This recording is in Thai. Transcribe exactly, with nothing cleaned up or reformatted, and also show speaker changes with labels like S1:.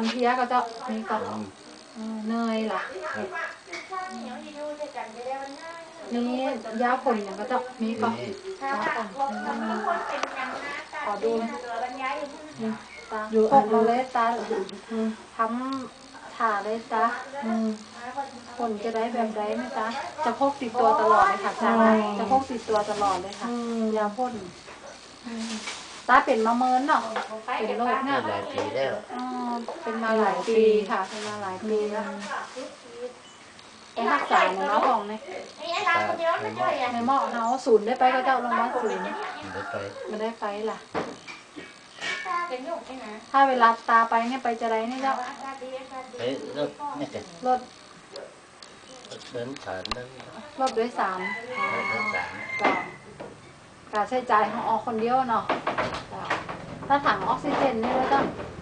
S1: เพลียก็จะมีก็เนยล่ะนี่ยาผลอย่างก็จะมีก็ยาผลขอดูตาพกมาเลยตาทำถ่าเลยตาผลจะได้แบบไรไหมจ๊ะจะพกติดตัวตลอดเลยค่ะจ๊ะจะพกติดตัวตลอดเลยค่ะยาพ่นตาเป็นมะเมินเนาะเป็นโรคเนี่ย
S2: หลายปีแล้ว
S1: เป็นมาหลายปีค่ะเป็นมาหลายปีแล้วไปรักษาในหม้อของเนี่ยในหม้อเขาศูนย์ได้ไปก็เจ้าลงมาศูนย์ไม่ได้ไปล่ะถ้าเวลาตาไปเนี่ยไปจะไรเนี่ยเจ้า
S2: ไปรถนี่จ้ะ
S1: รถ
S2: เดินผ่านนั่น
S1: รถด้วยสาม
S2: เดินสาม
S1: การใช้จ่ายของออกคนเดียวเนาะถ้าถังออกซิเจนนี่ก็ต้อง